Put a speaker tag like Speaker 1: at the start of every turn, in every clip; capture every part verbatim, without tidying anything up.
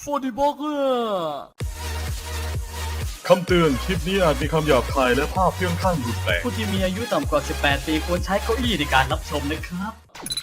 Speaker 1: ฟอร์ดิบอกเกอร์
Speaker 2: คำเตือนคลิปนี้อาจมีคำหยาบคายและภาพเพื่องข้างรุนแรง
Speaker 1: ผู้ที่มีอายุต่ำกว่า สิบแปด ปีควรใช้เก้าอี้ในการรับชมนะครับ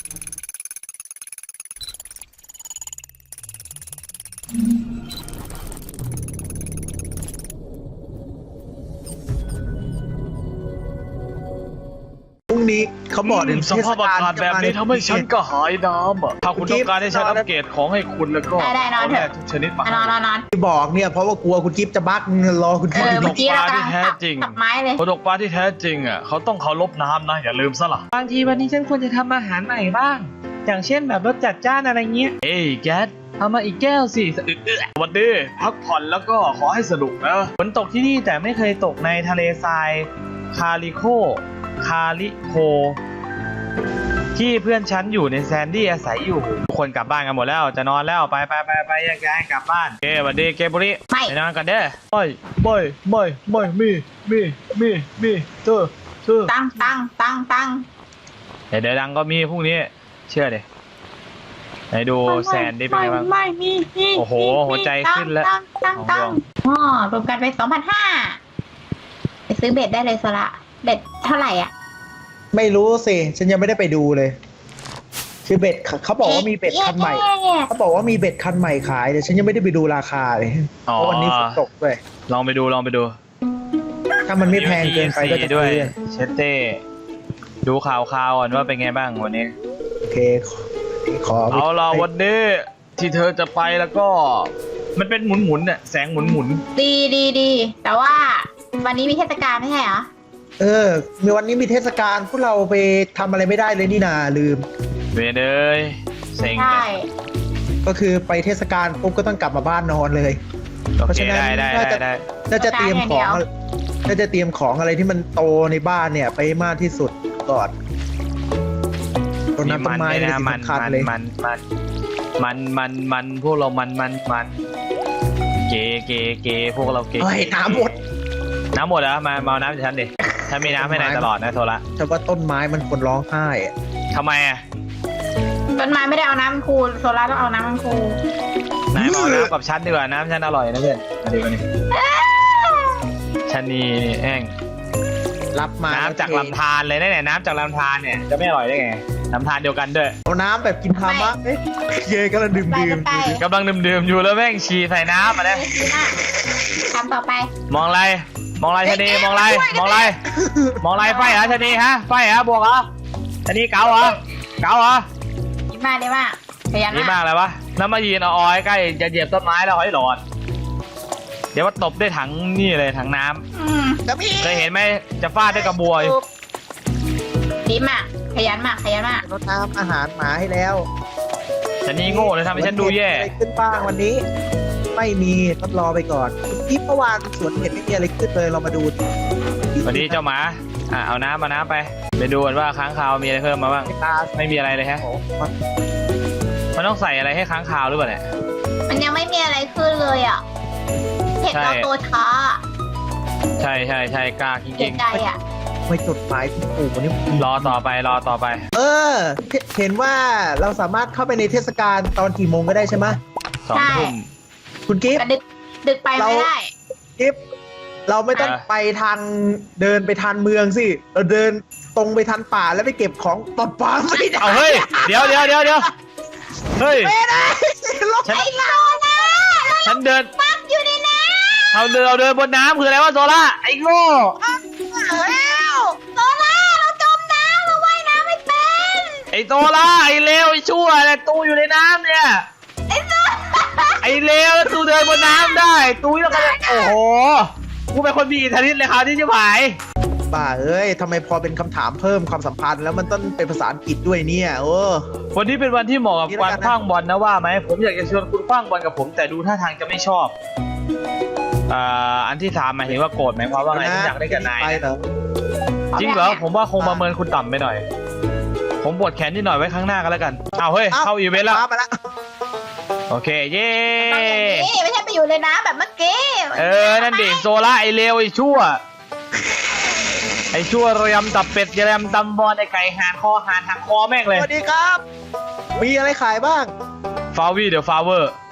Speaker 3: พรุ่งนี้เขาบอกถึง
Speaker 1: สภาพอากาศแบบนี้ทำให้ฉันก็หายน้ำอ่ะถ้าคุณต้องการให้ฉันอัปเกรดของให้คุณแล้วก็
Speaker 4: ได้ๆนอนเถอะ
Speaker 1: าทุกชนิดมาน
Speaker 4: อนนอนนอน
Speaker 3: ที่บอกเนี่ยเพราะว่ากลัวคุณกิฟต์จะบั๊กรอคุณ
Speaker 4: เอ
Speaker 3: กิฟต์
Speaker 4: อ
Speaker 3: อยู่
Speaker 4: เมื่อกี้เรากำลัง
Speaker 1: ที่แท้
Speaker 4: ตับ
Speaker 1: จริง
Speaker 4: ตับไม้เลย
Speaker 1: คนตกปลาที่แท้จริงอ่ะเขาต้องเคารพน้ำนะอย่าลืมซะล่ะ
Speaker 5: บางทีวันนี้ฉันควรจะทำอาหารใหม่บ้าง อย่างเช่นแบบรสจัดจ้านอะไรเงี้ย
Speaker 1: เอ้ยแก๊สเอามาอีกแก้วสิสะอึกเอื้อวันดีพักผ่อนแล้วก็ขอให้สนุกนะ
Speaker 5: ฝนตกที่นี่แต่ไม่เคยตกในทะเลทรายคาริโค คาริโค ที่เพื่อนฉันอยู่ในแซนดี้อาศัยอยู่ทุกคนกลับบ้านกันหมดแล้วจะนอนแล้วไปไปไปไปแยกย้ายกลับบ้านเกวันดีเกบุริ
Speaker 4: ไม่
Speaker 5: ไปนอนกันเด้อ
Speaker 1: ไม่ไม่ไม่ไม่มีมีมีมีเธอเธอ
Speaker 4: ตั้งตั้งตั้งตั้ง
Speaker 5: เดี๋ยวเดี๋ยวดังก็มีพรุ่งนี้เชื่อดิไหนดูแซนดี้เป็นไงบ้าง
Speaker 4: ไม่มีมี
Speaker 5: โอ้โหหัวใจขึ้นแล้ว
Speaker 4: ตั้งตั้งตั้งอ๋อรวมกันไปสองพันห้าไปซื้อเบ็ดได้เลยโซละเบ็ดเท่าไหร่อ่ะ
Speaker 3: ไม่รู้สิฉันยังไม่ได้ไปดูเลยคือเบ็ดเขาบอกว่ามีเบ็ดคันใหม่เขาบอกว่ามีเบ็ดคันใหม่ขายแต่ฉันยังไม่ได้ไปดูราคาเลยเพ
Speaker 5: อ๋อ
Speaker 3: ราะวันนี้ฝนตกด้วย
Speaker 5: ลองไปดูลองไปดู
Speaker 3: ถ้ามันไม่แพงเกินไปก็จะ
Speaker 5: ด้วย
Speaker 3: ซื้อ
Speaker 5: เชตเต้ดูข่าวข่าวก่อนว่าเป็นไงบ้างวันนี้
Speaker 3: โอเคขอ
Speaker 1: เอาล่ะวันนี้ที่เธอจะไปแล้วก็
Speaker 5: มันเป็นหมุนหมุนๆน่ะแสงหมุนหมุน
Speaker 4: ดีดีดีแต่ว่าวันนี้มีเทศกาลไม่ใช่เหรอ
Speaker 3: เออมีวันนี้มีเทศกาลพวกเราไปทำอะไรไม่ได้เลยนี่นาลืม
Speaker 5: เวเนยเซ็ง
Speaker 4: ใช่
Speaker 3: ก็คือไปเทศกาลปุ๊บก็ต้องกลับมาบ้านนอนเลย
Speaker 5: โอ
Speaker 3: เพราะ
Speaker 5: เค
Speaker 3: ฉะนั้น
Speaker 5: ได้ได้
Speaker 3: น่า
Speaker 5: ได้
Speaker 3: จะ
Speaker 5: ได้
Speaker 3: น่าจะเตรียมของน่าจะเตรียมของอะไรที่มันโตในบ้านเนี่ยไปมากที่สุดก่อนต้น
Speaker 5: มี
Speaker 3: น้ำต้
Speaker 5: มัน น
Speaker 3: ไม้
Speaker 5: ด้วย
Speaker 3: เป็น
Speaker 5: นะ
Speaker 3: สิ่ง
Speaker 5: มัน
Speaker 3: สำคัญ
Speaker 5: มัน
Speaker 3: เลย
Speaker 5: มันมันมันมันมันพวกเรามันมันมันเก๋เก๋เก๋พวกเราเก๋
Speaker 3: เฮ้ยน้ำหมด
Speaker 5: น้ำหมดแล้วมามาเอาน้ำจากฉันดิฉันมีน้ำให้นายตลอดนะโทระ
Speaker 3: แต่ว่าต้นไม้มันควรร้องไห้อะ
Speaker 5: ทำไมอ่ะ
Speaker 4: ต้นไม้ไม่ได้เอาน้ำมันคูโซล่าต้องเอาน้ำมันคู
Speaker 5: นายมาเอาน้ำกับฉันดีกว่าน้ำฉันอร่อยนะเพื่อนมาดิมาดิฉันนี่แห้ง
Speaker 3: รับมา
Speaker 5: น้ำจากลำธารเลยนะเนี่ยน้ำจากลำธารเนี่ยจะไม่อร่อยได้ไงลำธารเดียวกันด้วย
Speaker 3: เอาน้ำแบบกินธรรมะเอ๊ะเยกำลังดื่ม
Speaker 4: ไป
Speaker 3: ดื่ม
Speaker 4: ไป
Speaker 5: กำลังดื่มๆอยู่แล้วแม่งฉี่ใส่น้ำมาเลย
Speaker 4: อ่ะทำต่อไป
Speaker 5: มองอะไรมองอะไรชะนีมองอะไรมองอะไรมองอะไรไฟเหรอชะนีฮะไฟเหรอบวกเหรอชะนีเก๋าเหรอเก๋าเหรอ
Speaker 4: ดีมากดีมากขยัน
Speaker 5: นี่
Speaker 4: มาม
Speaker 5: าก กเลยวะแล้วมายืนเอาออยใกล้จะเหยียบต้นไม้แล้วหอยหลอดเดี๋ยวว่าตบด้วยถังนี่เลยถังน้ำ
Speaker 4: อืม
Speaker 3: จะพี่
Speaker 5: เคยเห็นไหมจะฟาดด้วยกระบวย
Speaker 4: ดีมากขยันมากขยันมาก
Speaker 3: รดน้ำอาหารหมาให้แล้ว
Speaker 5: ชะนีโง่เลยทำให้ฉันดูแย่
Speaker 3: อะไรขึ้นบ้างวันนี้ ไม่มีต้องรอไปก่อนที่เมื่อวานสวนเห็นไม่มีอะไรขึ้นเลยเรามาดูดิ
Speaker 5: สวัสดีเจ้าหมาอ่ะเอาน้ำมาน้ำไปไปดูกันว่าค้างคาวมีอะไรเพิ่มมาบ้าง
Speaker 3: ไม่ตา
Speaker 5: ไม่มีอะไรเลยฮะ
Speaker 3: โอ้โห
Speaker 5: มันต้องใส่อะไรให้ค้างคาวหรือเปล่าเนี่ย
Speaker 4: มันยังไม่มีอะไรขึ้นเลยอ่ะเห็น
Speaker 5: ใช่
Speaker 4: เราตัวช้า
Speaker 5: ใช่ใช่ใช่กล้าจ
Speaker 4: เสี
Speaker 5: ริ
Speaker 4: ย
Speaker 5: ง
Speaker 4: ใจอ่ะ
Speaker 3: ไม่จดหมายคุณปู่วันนี้
Speaker 5: ๆรอต่อไปรอต่อไป
Speaker 3: เออ เห็นว่าเราสามารถเข้าไปในเทศกาลตอนกี่โมงก็ได้ใช่ไหม
Speaker 5: สองทุ่ม
Speaker 3: คุณกิฟต์
Speaker 4: แต่ดึกดึกไปไม่ได้
Speaker 3: กิฟต์เราไม่ต้อง
Speaker 5: เออ
Speaker 3: ไปทางเดินไปทางเมืองสิเราเดินตรงไปทางป่าแล้วไปเก็บของตอนป่าไม่ได้
Speaker 5: เอาเฮ้ยเดี๋ยวเดี๋ยวเดี๋ยวเดี๋ยวเฮ้ย
Speaker 3: ไม่ได้ลง
Speaker 5: ฉัน
Speaker 4: ไอ้โซล่า
Speaker 5: ฉันเดิน
Speaker 4: ปักอยู่ในน้
Speaker 5: เราเดินเราเดินบนน้ำคืออะไรวะโซล่าไอ้โง่
Speaker 4: ำแล้วโซล่าเราจมน้ำเราว่ายน้ำไม่เป็น
Speaker 5: ไอ้โซล่าไอ้เลวไอ้ชั่วเนี่ยตูอยู่ในน้ำเนี่ย
Speaker 4: ไอ้โซ
Speaker 5: ไอ้เลวแล้วตูเดินบนน้ำได้ตูแล้วก็จะโอ้โหกูเป็นคนมีอิทธิฤทธิ์เลยครับที่ชิบหาย
Speaker 3: ป่าเอ้ยทำไมพอเป็นคำถามเพิ่มความสัมพันธ์แล้วมันต้องเป็นภาษาอังกฤษด้วยเนี่ยโอ้
Speaker 5: วันนี้เป็นวันที่เหมาะกับ
Speaker 3: นี่แล้ว
Speaker 5: การ
Speaker 3: กันนะ
Speaker 5: ขว้างบอลนะว่าไหมผมอยากจะชวนคุณขว้างบอลกับผมแต่ดูท่าทางจะไม่ชอบอ่าอันที่สามหมายถึงว่าโกรธไหมเพราะว่าไงที่อยากได้กับนาย
Speaker 3: ไป
Speaker 5: เนี่ย
Speaker 3: เหรอ
Speaker 5: จริงเหรอผมว่าคงประเมินคุณต่ำไปหน่อย ผมปวดแขนนิดหน่อยไว้ข้างหน้ากันแล้วกันเอาเฮ้ยเข้าอีเวนต์แล้ว
Speaker 3: มาแล้ว
Speaker 5: โอเคเย้
Speaker 4: ต้องอย่างนี้ไม่ใช่ไปอยู่ในน้ำแบบเมื่อกี้
Speaker 5: เออนั่นดิโซล่าไอเลวไอชั่วไอชั่วเรียมตับเป็ดเรียมตำบอลไอไก่หานคอหานหักคอแม่งเลย
Speaker 3: สวัสดีครับ มีอะไรขายบ้าง
Speaker 5: ฟาวี่เดี๋ยวฟาเวอร์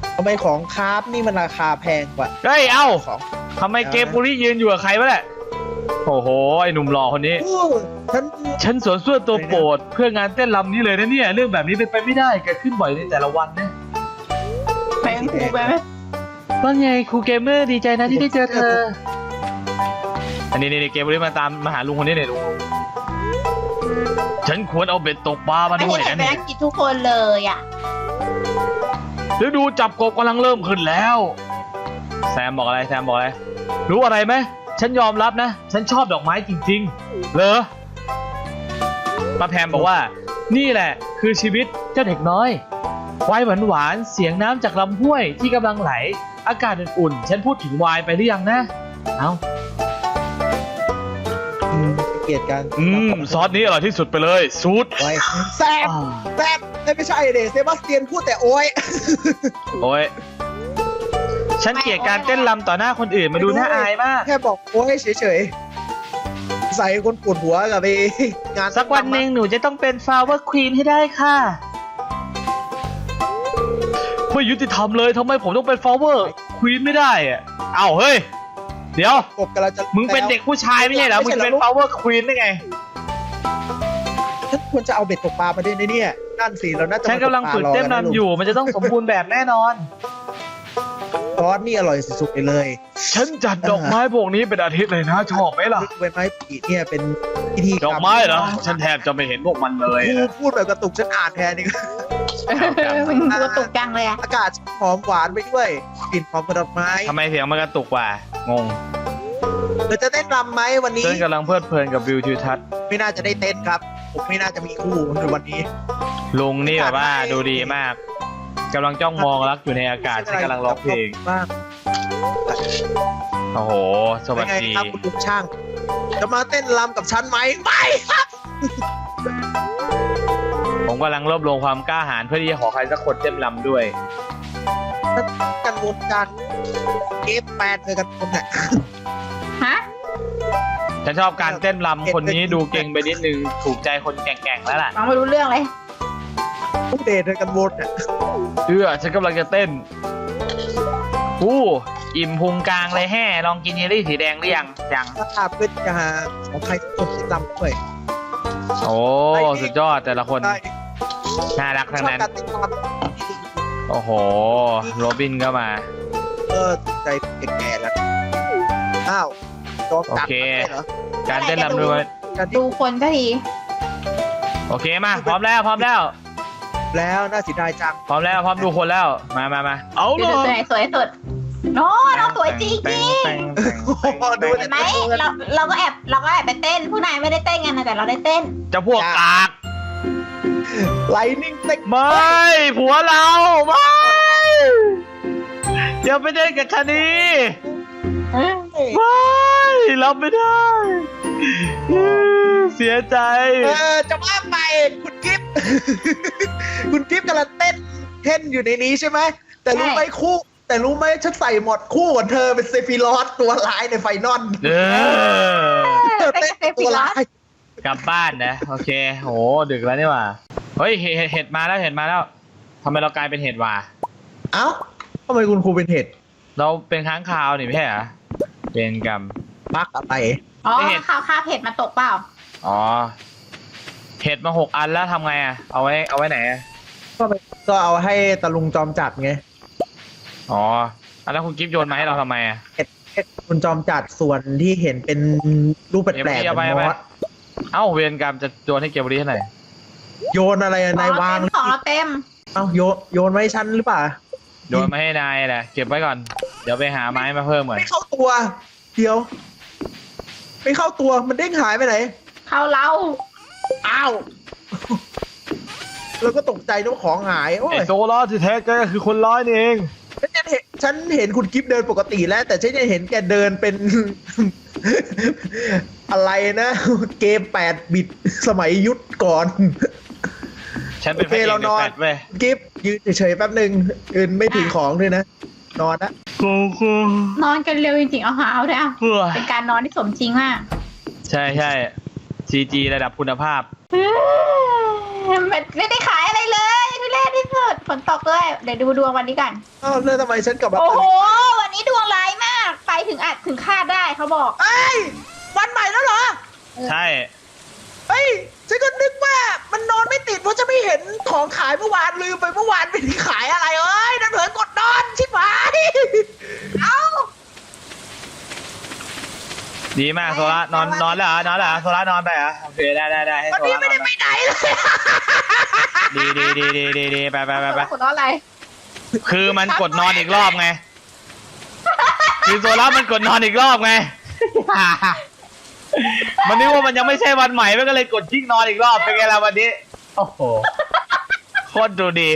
Speaker 3: ทำไมของคราฟนี่มันราคาแพงกว่า
Speaker 5: เฮ้ย เอ้า
Speaker 3: ของ
Speaker 5: ทำไมเกมบุรียืนอยู่กับใครวะเนี่ยโอ้โห ไอหนุ่มหล่อคนนี้
Speaker 3: โอ้ฉัน
Speaker 5: ฉันสวนส่วนตัวโปรดเพื่องานเต้นรำนี้เลยนะเนี่ย เรื่องแบบนี้เป็นไปไม่ได้เกิดขึ้นบ่อยในแต่ละวันนะ
Speaker 4: ไปกันครูไปไหม
Speaker 5: ว่าไงครูเกมเมอร์ดีใจนะที่ได้เจอเธอ อันนี้นี่เกมบุรีมาตามมาหาลุงคนนี้เนี่ยลุงฉันควรเอาเบ็ดตกปลามา
Speaker 4: ไม่
Speaker 5: ด้วย
Speaker 4: เห็น
Speaker 5: นะ
Speaker 4: ไป
Speaker 5: เนี่ย
Speaker 4: อังกฤษทุกคนเลยอ่ะ
Speaker 5: ฤดูจับกบกำลังเริ่มขึ้นแล้ว แซมบอกอะไรแซมบอกอะไรรู้อะไรไหมฉันยอมรับนะฉันชอบดอกไม้จริงๆเหรอป้าแพมบอกว่านี่แหละคือชีวิตเจ้าเด็กน้อยไวน์หวานๆเสียงน้ำจากลำห้วยที่กำลังไหลอากาศอุ่นๆฉันพูดถึงไวน์ไปหรือยังนะเอ้า
Speaker 3: อืมเกลียดกัน
Speaker 5: อืมซอสนี้อร่อยที่สุดไปเลยซูด
Speaker 3: ไว้แซมแซมไม่ใช่เดเซบาสเตียนพูดแต่โอ้ย
Speaker 5: โอ้ยฉันเกลียดการเต้นรำต่อหน้าคนอื่นมาดูน่าอายมาก
Speaker 3: แค่บอกโอ้ยเฉยๆใส่คนปวดหัวกับไปงาน
Speaker 5: สักวันหนึ่งหนูจะต้องเป็นฟลาวเวอร์ควีนให้ได้ค่ะไม่ยุติธรรมเลยทำไมผมต้องเป็นฟลาวเวอร์ควีนไม่ได้อะเอ้าเฮ้ยเดี๋ยว
Speaker 3: กบกำลังจะ
Speaker 5: มึงเป็นเด็กผู้ชายไม่ใช่เหรอมึงจะเป็นฟลาวเวอร์ควีนได้ไง
Speaker 3: ฉันควรจะเอาเบ็ดตกปลามาด้วยนะเนี่ยนั่นสิเราน่าจะ
Speaker 5: ฉันกำลังฝึกเต้นรำอยู่มันจะต้องสมบูรณ์แบบแน่นอน
Speaker 3: ซอสนี่อร่อยสุดๆไปเลย
Speaker 5: ฉันจัดดอกไม้พวกนี้เป็นอาทิตย์เลยนะชอบไหมล่ะ
Speaker 3: ใบไม้ปีเนี่ยเป็นพิธีกรร
Speaker 5: ดอกไม้เหรอฉันแทบจะไม่เห็นพวกมันเลย
Speaker 3: พู
Speaker 5: นะ
Speaker 3: ดพูดแบบกระตุกฉันอ่านแทนนี่
Speaker 4: มึงตัวตกจังเลยอ่ะ
Speaker 3: อากาศหอมหวานไปด้วยกลิ่นหอมกระดอกไม้
Speaker 5: ทำไมเสียงมันกระตุกว่ะงง
Speaker 3: เราจะเต้นรำไหมวันนี้
Speaker 5: ฉันกำลังเพลิดเพลินกับวิวทิวทัศน์
Speaker 3: ไม่น่าจะได้เต้นครับ ผมไม่น่าจะมีคู่ในวันนี้
Speaker 5: ลุงนี่แบบว่าดูดีมากกำลังจ้องมองรักอยู่ในอากาศฉันกำลังร้องเพลง
Speaker 3: มาก
Speaker 5: โอ้โหสวัส
Speaker 3: เป็นไง
Speaker 5: ดี
Speaker 3: ครับคุณลุงช่าง จะมาเต้นรำกับฉันไหมไม่ครับ
Speaker 5: ผมกำลังรวบรวมความกล้าหาญเพื่อที่จะขอใครสักคนเต้นรำด้วย
Speaker 3: กันวนกันเอฟแปดเลยกันคนเนี่ย
Speaker 4: ฮะ
Speaker 5: ฉันชอบการเต้นรำคนนี้ดูเก่งไปนิดนึงถูกใจคนแก่งๆแล้วล่ะ
Speaker 4: ฟังไม่รู้เรื่องเลย
Speaker 3: ทุกเดทเลยกันวนเนี่ย
Speaker 5: เอื้อฉันกำลังจะเต้นอู้อิ่มพุงกลางเลยแห่ลองกินเยลลี่สีแดงหรือยังยัง
Speaker 3: ถ้าขาเพื่อจะหาของใครสักคนที่รำด้วย
Speaker 5: โอ้สุดยอดแต่ละคน
Speaker 3: ได้
Speaker 5: น่ารัก
Speaker 3: ชอ
Speaker 5: ทั้ง
Speaker 3: บ
Speaker 5: นั้น
Speaker 3: การเต้นร
Speaker 5: โอ้โหโรบินก็มา
Speaker 3: ำเออใจแก่ๆแล้วอ้าวจอมกัด
Speaker 5: โอเค
Speaker 3: มันได้เหรอ
Speaker 5: การเต้นรำด้วย
Speaker 3: การที่
Speaker 4: ดูคนก็ที
Speaker 5: โอเคมาพร้อมแล้วพร้อมแล้ว
Speaker 3: แล้วน่าเสียดายจัง
Speaker 5: พร้อมแล้วพร้อมดูคนแล้วมามามาเอา
Speaker 4: ดู
Speaker 5: เล
Speaker 4: ตัวย ไหนสวยสุดโน้น้องสวยจริงจริง
Speaker 3: โอ้โหดู
Speaker 4: เห็นไหมเราเราก็แอบเราก็แอบไปเต้นผู้นายไม่ได้เต้นกันนะแต่เราได้เต้น
Speaker 5: จะพวกกาก
Speaker 3: ไลนิ่งเต็ก
Speaker 5: ไม่ผัวเราไม่อย่าไปเต้นกับคดีไม่รับไม่ได้เสียใจ
Speaker 3: เออจะว่าไปคุณกิฟต์ คุณกิฟต์กำลังเต้นเต้นอยู่ในนี้ใช่ไหมแต่รู้ไหมคู่ แต่รู้ไหมฉันใส่หมดคู่กับเธอเป็นเซฟิลอสตัวร้ายในไฟนอล
Speaker 5: เออ
Speaker 3: เธอเต้นตัวร้าย
Speaker 5: กลับบ้านนะโอเคโหดึกแล้วนี่หว่าเฮ้ยเห็ดเห็ดมาแล้วเห็ดมาแล้วทำไมเรากลายเป็นเห็ดวะ
Speaker 3: เอ้าทำไมคุณครูเป็นเห็ด
Speaker 5: เราเป็นค้างคาวนี่ไม่ใช่เหรอเป็นกรรม
Speaker 3: ปักอะไร
Speaker 4: อ๋อ
Speaker 5: ไม่เห็น
Speaker 4: ข้าวข้าวเผ็ดมาตกเปล่า
Speaker 5: อ๋อเห็ดมาหกอันแล้วทำไงอ่ะเอาไว้เอาไว้ไหนอะ
Speaker 3: ก็ไปก็เอาให้ตะลุงจอมจัดไง
Speaker 5: อ๋อแล้วคุณกิฟต์โยนมาให้เราทำไมอ่ะ
Speaker 3: เห็ดเห็ดคุณจอมจัดส่วนที่เห็นเป็นรูปแปลกๆ
Speaker 5: เดี๋
Speaker 3: เป็
Speaker 5: ยวน ไป
Speaker 3: ม
Speaker 5: เอาไป
Speaker 3: อส
Speaker 5: เอ้าเวรกรรมจะโยนให้เกมบรีเท่าไหร่
Speaker 3: โยนอะไรอะนายวาง
Speaker 4: ของเราเต็ม
Speaker 3: เอ้าโยนโยนไว้ชั้นหรือเปล่า
Speaker 5: โยนมาให้นายแหละเก็บไว้ก่อนเดี๋ยวไปหาไม้มาเพิ่มเหมือน
Speaker 3: ไม่เข้าตัว เดี๋ยว ไม่เข้าตัวมันเด้งหายไปไหน
Speaker 4: เข้าเรา
Speaker 3: อ้าว แล้วก็ตกใจนึกว่าของหายโอ้
Speaker 5: ไอย โซล่าที่แท้ก็คือคนร้ายนี่เอง
Speaker 3: ฉันยังเห็นฉันเห็นคุณกิฟเดินปกติแล้ว แต่ฉันยังเห็นแกเดินเป็น อะไรนะ เกมแปดบิตสมัยยุคก่อน
Speaker 5: ฉันเป็นพระเอก
Speaker 3: โอเคเรา
Speaker 5: ใน
Speaker 3: นอน
Speaker 5: แฟลชเว้ย
Speaker 3: กิฟยืนเฉยๆแป๊บหนึ่งอื่นไม่ถือของด้วยนะ นอนนะ
Speaker 5: กูกู
Speaker 4: นอนกันเร็วจริงๆเอาหาเอาด้วยอ่ะ
Speaker 5: เพื่อ
Speaker 4: เป็นการนอนที่สมจริงมาก
Speaker 5: ใช่ใช่ซีจีระดับคุณภาพ
Speaker 4: เฮ้ยมันไม่ได้ขายอะไรเลยทุเรศที่สุดฝนตกด้วยเดี๋ยวดูดวงวันนี้กัน
Speaker 3: อ้าวแล้วทำไมฉันกลับมา
Speaker 4: โอ้โหวันนี้ดวงร้ายมากไปถึงอาจถึงคาดได้เขาบอก
Speaker 3: เอ้ยวันใหม่แล้วเหรอ
Speaker 5: ใช่
Speaker 3: เฮ้ยฉันก็นึกว่ามันนอนไม่ติดเพราะจะไม่เห็นของขายเมื่อวานลืมไปเมื่อวานไม่ได้ขายอะไรเอ้ยนั่นเถินกดนอนชิบหายเอ้า
Speaker 5: ดีมากโซล่านอนนอนแล้วเหรอนอนแล้วเหรอโซล่านอนไปเหรอโอเคได้ได้ได้ให้
Speaker 3: วัน
Speaker 5: โซ
Speaker 3: นี้
Speaker 5: ล่า
Speaker 3: ไม่
Speaker 5: น
Speaker 3: ได้
Speaker 5: อน
Speaker 3: ไปไหนเลย
Speaker 5: ดีดีดีดีดีดีไปไปไปไป
Speaker 4: คุณน้องอะไร
Speaker 5: คือมันกดนอนอีกรอบไงคือโซล่ามันกดนอนอีกรอบไง มันนึกว่ามันยังไม่ใช่วันใหม่มันก็เลยกดทิ้งนอนอีกรอบเป็นไงล่ะวันนี้โอ้โหโคตรดูดี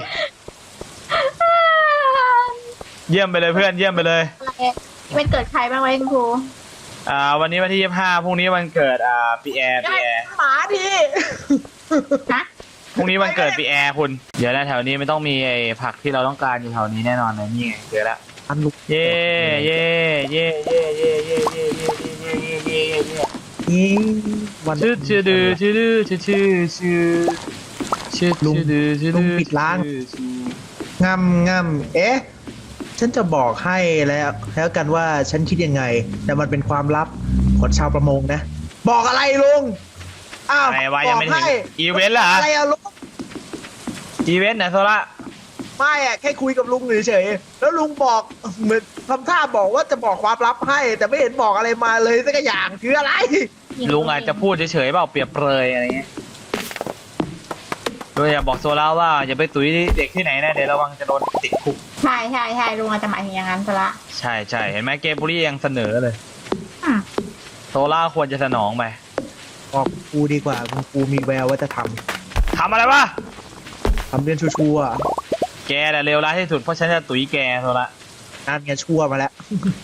Speaker 5: เยี่ยมไปเลยเพื่อนเยี่ยมไปเลย
Speaker 4: เป็นเกิดใครบ้างไว้คุณครู
Speaker 5: อ่าวันนี้วันที่ยี่สิบห้าพรุ่งนี้วันเกิดอ่าปีแอร์ปีแอร์
Speaker 3: หมาที
Speaker 4: ฮะ
Speaker 5: พรุ่งนี้วันเกิดปีแอร์คุณเดี๋ยวนะแถวนี้ไม่ต้องมีไอ้ผักที่เราต้องการอยู่แถวนี้แน่นอนเลยนี่ไงเจอแล้ว
Speaker 3: อันลุก
Speaker 5: เย่เย่เย่เย่เย่เย่เย่เย่เย่เย่เย่เย่เย่
Speaker 3: ยิงวัน
Speaker 5: ชื่อชื่อดื้อชื่อดื้อชื่อชื่อชื่อชื่อ
Speaker 3: ลุง
Speaker 5: ชื่อดื้อชื่อ
Speaker 3: ลุ
Speaker 5: ดื้
Speaker 3: ง
Speaker 5: อ
Speaker 3: ปิดร้าน
Speaker 5: ชื่อชื่อ
Speaker 3: งำงำเอ๊ะ ฉันจะบอกให้แล้วแล้วกันว่าฉันคิดยังไง แต่มันเป็นความลับของชาวประมงนะ บอกอะไรลุง อ้าว
Speaker 5: อะไรวะ
Speaker 3: บ
Speaker 5: ยัง
Speaker 3: อก
Speaker 5: ไม่ถึง
Speaker 3: ให้
Speaker 5: อีเวนต์เหรอ
Speaker 3: อะไรอะลุง
Speaker 5: อีเวนต์นะโซล่า
Speaker 3: ไม่อะแค่คุยกับลุงเฉยๆแล้วลุงบอกเหมือนทำท่าบอกว่าจะบอกความลับให้ แต่ไม่เห็นบอกอะไรมาเลยสักอย่างคืออะไร
Speaker 5: ลุงอาจจะพูดเฉยๆเปล่าเปรียบเปรยอะไรเงี้ยโดยอย่าบอกโซล่าว่าอย่าไปตุ้ยเด็กที่ไหนนะเดี๋ยวระวังจะโดนติดคุก
Speaker 4: ใช่ใช่ใช่ลุงอาจจะหมายถึงอย่างนั้นซะละ
Speaker 5: ใช่ใช่เห็นไหมเกมบุรียังเสนอเลย
Speaker 4: อืม
Speaker 5: โซล่าควรจะสนองไป
Speaker 3: บอกครูดีกว่าคุณครูมีแววว่าจะท
Speaker 5: ทำอะไรวะ
Speaker 3: ำทำเรื่องชั่วๆอะ
Speaker 5: แกแหละเลวร้ายที่สุดเพราะฉันจะตุ้ยแกโซล่า
Speaker 3: นั่นไงชั่วมาแล้ว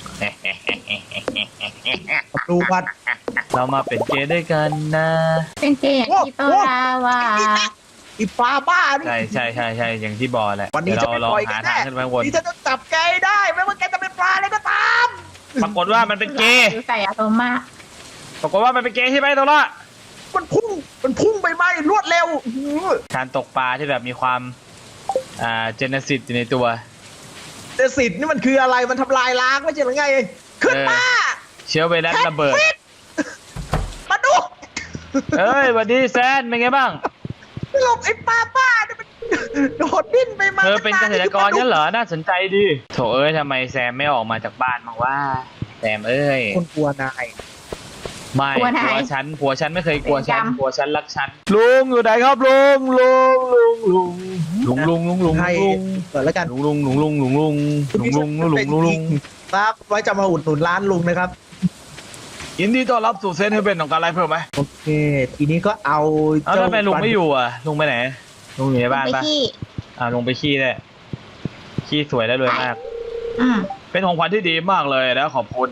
Speaker 3: ดูวัด
Speaker 5: เรามาเป็นเกย์ด้วยกันนะ
Speaker 4: เป็นเกย์อย่างที่โตลาว่า
Speaker 3: อีปลาบ้านี่
Speaker 5: ใช่ใช่ใช่ใช่อย่างที่บอกแหละ
Speaker 3: วันนี้
Speaker 5: เดี๋ยว
Speaker 3: จะ
Speaker 5: เรา
Speaker 3: ไม่
Speaker 5: ลอง
Speaker 3: ปล่อยกั
Speaker 5: หาน ทา
Speaker 3: แน่
Speaker 5: งขึ้นไปข้างบน
Speaker 3: นี่จะต้องจับแกให้ได้ไม่ว่าแกจะเป็นปลาอะไรก็ตาม
Speaker 5: ปรากฏว่ามันเป็นเกย์
Speaker 4: ใส่อารมณ์มาก
Speaker 5: ปรากฏว่ามันเป็นเกย์ใช่ไหมโซล่า
Speaker 3: มันพุ่งมันพุ่งไปไหมรวดเร็วอื้อหือ
Speaker 5: การตกปลาที่แบบมีความอ่าเจเนซิสอยู่ในตัว
Speaker 3: แต่สิทธิ์นี่มันคืออะไรมันทำลายล้างไม่ใช่หรือไงขึ้นมา
Speaker 5: เชื้อไวรัสระเบิด
Speaker 3: แพทฟิตมาดู
Speaker 5: เอ้ยสวัสดีแซนเป็นไงบ้าง
Speaker 3: หลบไอ้ปลาบ้าเนี่ยมันโดดดิ้นไปมา
Speaker 5: เธอเป็นเกษตรกรงั้นเหรอ น่าสนใจดีโถเอ้ยทำไมแซมไม่ออกมาจากบ้านมางว่าแซมเอ้ย
Speaker 3: คนกลัวนาย
Speaker 5: ไม่
Speaker 4: กลัวไหน
Speaker 5: ผัวฉันผัวฉันไม่เคยกลัวฉัน
Speaker 4: เป็นกรรม
Speaker 5: ผัวฉันรักฉันลุงอยู่ไหนครับลุงลุงลุงลุงลุงลุงลุงลุง
Speaker 3: ให้
Speaker 5: ลุง
Speaker 3: เปิดแล้วกัน
Speaker 5: ลุงลุงลุงลุงลุงลุงลุงลุงลุงลุงลุงลุง
Speaker 3: ครับไว้จะมาอุดหนุนร้านลุงนะครับ
Speaker 5: ยินดีต้อนรับสู่เซนให้เป็นของการไลฟ์เพิ่มไหม
Speaker 3: โอเค ทีนี้ก็เอา
Speaker 5: เอ้าทำไมลุงไม่อยู่อ่ะลุงไปไหนลุงอยู่ในบ้าน
Speaker 4: ไป
Speaker 5: ปะ
Speaker 4: ที่
Speaker 5: อ่าลุงไปขี้ได้ขี้สวยแล้วรวยมาก
Speaker 4: อืม
Speaker 5: เป็นของขวัญที่ดีมากเลยแล้วขอบคุณ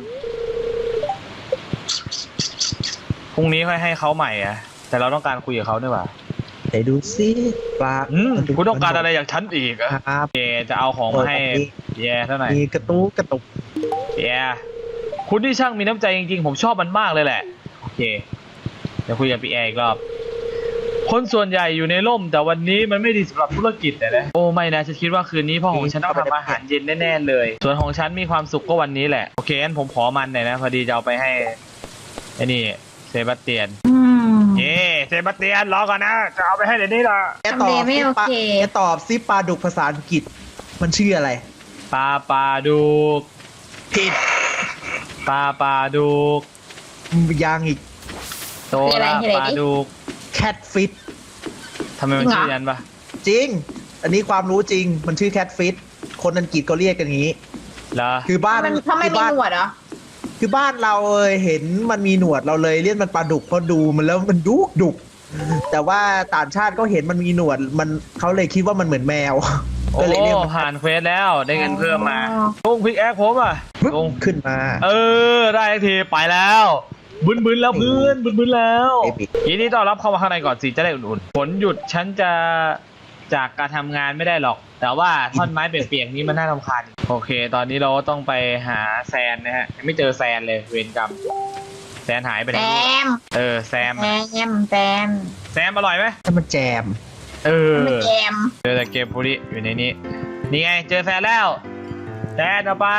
Speaker 5: พรุ่งนี้ค่อยให้เขาใหม่อ่ะแต่เราต้องการคุยกับเขาด้วยว่ะ
Speaker 3: ไหนดูซิปลา
Speaker 5: อืมคุณต้องการอะไรจากฉันอีกอะ
Speaker 3: ครับ
Speaker 5: เจจะเอาของมาให้แย่เท่าไหร่
Speaker 3: มีกระตุกกระตุก
Speaker 5: แย่คุณที่ช่างมีน้ำใจจริงๆผมชอบมันมากเลยแหละโอเคเดี๋ยวคุยกับพี่แอร์อีกรอบคนส่วนใหญ่อยู่ในร่มแต่วันนี้มันไม่ดีสำหรับธุรกิจแต่นะโอ้ไม่นะฉันคิดว่าคืนนี้พ่อของฉันต้องทำอาหารเย็นแน่ๆเลย ส่วนของฉันมีความสุขก็วันนี้แหละโอเคงั้นผมขอมันหน่อยนะพอดีจะเอาไปให้ไอ้นี่เซบาสเตียน
Speaker 4: อืม
Speaker 5: เย้เซบาสเตียนรอก่อนนะจะเอาไปให้เดี๋ยวนี้ละ
Speaker 3: แกตอบ
Speaker 4: ทำเลไม่
Speaker 3: ซิ
Speaker 4: โอ
Speaker 3: ปลา
Speaker 4: เค
Speaker 3: แกตอบซิปลาดุกภาษาอังกฤษ มันชื่ออะไร
Speaker 5: ปลาปลาดุก
Speaker 3: ผิด
Speaker 5: ปลาปลาดุก
Speaker 3: ยังอีก
Speaker 5: โตละปลาดุก
Speaker 3: แคทฟิต
Speaker 5: ทำไมมันชื่อนั้นปะ
Speaker 3: จริง อันนี้ความรู้จริง มันชื่อแคทฟิต คนอังกฤษก็เรียกกันอย่างนี้
Speaker 5: เหรอ
Speaker 3: คือบ้าน
Speaker 4: มันถ้าไม่
Speaker 3: คือ
Speaker 4: มี
Speaker 3: บ้าน
Speaker 4: หนวดเหรอ
Speaker 3: คือบ้านเราเห็นมันมีหนวดเราเลยเรียกมันปลาดุกเพราะดูมันแล้วมันดุกดุก แต่ว่าต่างชาติก็เห็นมันมีหนวด มันเขาเลยคิดว่ามันเหมือนแมว
Speaker 5: โอ้
Speaker 3: ก็เลยเรียกมัน
Speaker 5: ผ่านเควสแล้วได้เงินเพิ่มมาลุงพิกแอคผมอ่ะลุง
Speaker 3: ขึ้นมา
Speaker 5: เออได้ทีไปแล้วบึนบึนแล้วเพื่อนบึนบึนแล้ว
Speaker 3: เอปิก
Speaker 5: ทีนี้ต้อนรับเข้ามาข้างในก่อนสิจะได้อุ่นๆฝนหยุดฉันจะจากการทำงานไม่ได้หรอก แต่ว่าท่อนไม้เปียกๆนี้มันน่ารำคาญโอเค ตอนนี้เราต้องไปหาแซนนะฮะยังไม่เจอแซนเลยเวรกรรมแซนหายไปไหน
Speaker 4: แซม
Speaker 5: เออแซม
Speaker 4: แซมแซม
Speaker 5: แซมอร่อยไหม
Speaker 3: ถ้ามันแจม
Speaker 5: เออ
Speaker 4: มันแจม
Speaker 5: เจอแต่เกมบุรีอยู่ในนี้ นี่ไงเจอแฟนแล้วแฟนเอาไป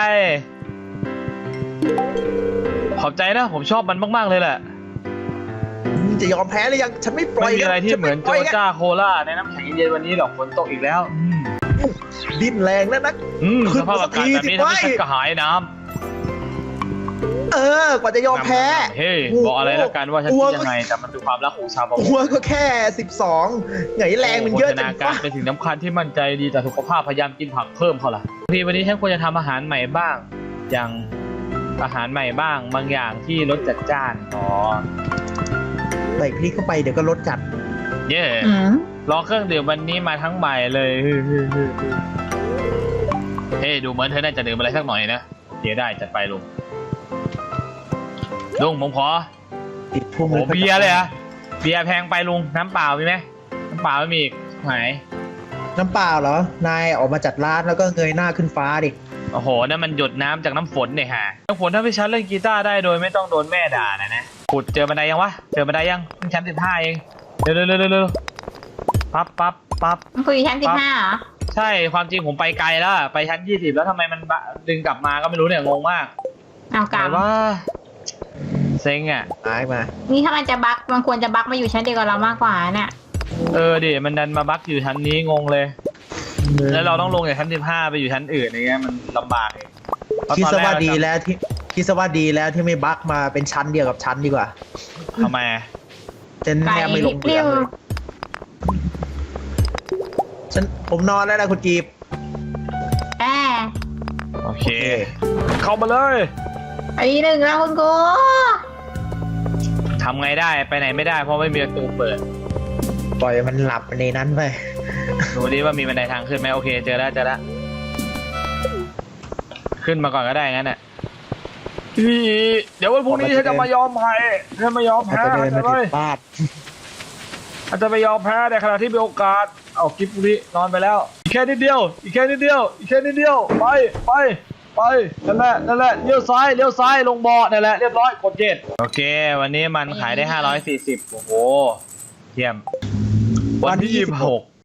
Speaker 5: ขอบใจนะผมชอบมันมากๆเลยแหละ
Speaker 3: จะยอมแพ้หรือยังฉันไม่ปล่อ
Speaker 5: ไม่
Speaker 3: ย
Speaker 5: มีอะไรที่
Speaker 3: ฉั
Speaker 5: เหมือน
Speaker 3: ไป
Speaker 5: โจ
Speaker 3: ล่ย
Speaker 5: จ้าโคล่าในน้ำแข็งเย็นวันนี้หรอกฝนตกอีกแล้ว อืม
Speaker 3: ดิ้นแรงแล้วนะ
Speaker 5: อืม
Speaker 3: ขึ้
Speaker 5: ส
Speaker 3: น
Speaker 5: ภาพ
Speaker 3: มาสั
Speaker 5: อาก กาศ
Speaker 3: ที
Speaker 5: แบบนี้
Speaker 3: สิ
Speaker 5: ทำให้ฉัน
Speaker 3: เว้ย
Speaker 5: กระหายน้
Speaker 3: เออกว่าจะยอม
Speaker 5: ำ
Speaker 3: แพ้
Speaker 5: เฮ้ยบอกอะไรแล้วกันว่าฉันคิดยังไงแต่มันคือความรักของชาวประม
Speaker 3: ตั
Speaker 5: ง
Speaker 3: วก็แค่สิบสองไงแรงมันเยอะ
Speaker 5: โภช
Speaker 3: จั
Speaker 5: นาง การ
Speaker 3: วะ
Speaker 5: เป็นสิ่งสำคัญที่มั่นใจดีต่อสุขภาพพยายามกินผักเพิ่มเขาล่ะพี่วันนี้ฉันควรจะทำอาหารใหม่บ้าง อย่างอาหารใหม่บ้างบางอย่างที่รสจัดจ้านอ๋อ
Speaker 3: ใส่พริกเข้าไปเดี๋ยวก็รสจัด
Speaker 5: เย่
Speaker 4: อืม
Speaker 5: รอเครื่องดื่มวันนี้มาทั้งใหม่เลยฮึ่มฮึ่มฮึ่มเฮ้ยดูเหมือนเธอน่าจะดื่มอะไรสักหน่อยนะเดี๋ยวได้จัดไปลุงลุงผมขอ
Speaker 3: ติดพุ่ม
Speaker 5: โอ้เบียร์เลยเหรอะเบียร์แพงไปลุงน้ำเปล่ามีไหมน้ำเปล่าไม่มีอีกไหน
Speaker 3: น้ำเปล่าเหรอนายออกมาจัดร้านแล้วก็เงยหน้าขึ้นฟ้าดิ
Speaker 5: โอ้โหนั่นมันหยดน้ำจากน้ำฝนเนี่ยฮะน้ำฝนถ้าพี่ชันเล่นกีตาร์ได้โดยไม่ต้องโดนแม่ด่านะนะขุดเจอบันไดยังวะเจอบันไดยังเพิ่งชั้นสิบห้าเองเร็วเร็วเร็วเร็วเร็วปั๊บปั๊บปั๊บ
Speaker 4: มันคุยชั้นสิบห้าเหรอ
Speaker 5: ใช่ความจริงผมไปไกลแล้วอะไปชั้นยี่สิบแล้วทำไมมันบะดึงกลับมาก็ไม่รู้เนี่ยงงมาก
Speaker 4: เอากลั
Speaker 5: แต่
Speaker 4: บ
Speaker 5: ว่าเซ็งอ่ะ
Speaker 3: หายมา
Speaker 4: นี่ถ้ามันจะบักมันควรจะบักมาอยู่ชั้นเดียวกับเรามากกว่าเนี่ย
Speaker 5: เออดิมันดันมาบั๊กอยู่ชั้นนี้งงเลย แล้วเราต้องลงจากชั้นสิบห้าไปอยู่ชั้นอื่นอย่างเงี้ยมันลำบากเองเพระ
Speaker 3: คิด
Speaker 5: ตอน
Speaker 3: ซะ
Speaker 5: แรก
Speaker 3: ว่า
Speaker 5: เร
Speaker 3: ดี
Speaker 5: จำ
Speaker 3: แล้วที่คิดซะว่าดีแล้วที่ไม่บักมาเป็นชั้นเดียวกับชั้นดีกว่า
Speaker 5: ทำไมอะ
Speaker 3: ฉัน
Speaker 4: ไก่
Speaker 3: แทบไม่ลง
Speaker 4: เป
Speaker 3: เรื
Speaker 4: รี้
Speaker 3: อ
Speaker 4: ยว
Speaker 3: เลยฉันผมนอนแล้วนะคุณกีบ
Speaker 4: แอบ
Speaker 5: โอเค เข้ามาเลย
Speaker 4: ไอ้หนึ่งแล้วคุณกู
Speaker 5: ทำไงได้ไปไหนไม่ได้เพราะไม่มีประตูเปิด
Speaker 3: ปล่อยมันหลับในนั้นไป
Speaker 5: ดูดิว่ามีบันไดทางขึ้นไหมโอเคเจอแล้วเจอแล้วขึ้นมาก่อนก็ได้งั้นน่ะพี่เดี๋ยววันพรุ่งนี้ฉันจะมายอมแพ้ฉันไม่ยอม
Speaker 3: อาจ
Speaker 5: แพ้
Speaker 3: จะเดินมา
Speaker 5: เล
Speaker 3: ผิ
Speaker 5: ย
Speaker 3: ดพลาด
Speaker 5: อาจจะไปยอมแพ้ในขณะที่มีโอกาสเอากิฟต์นี้นอนไปแล้วอีกแค่นิดเดียวอีกแค่นิดเดียวอีกแค่นิดเดียวไปไปไปนั่นแหละนั่นแหละเลี้ยวซ้ายเลี้ยวซ้ายลงบ่อนั่นแหละเรียบร้อยกดเกตโอเค วันนี้มันขายได้ห้าร้อยสี่สิบโอ้โหเยี่ยมวันที่ยี่สิบหก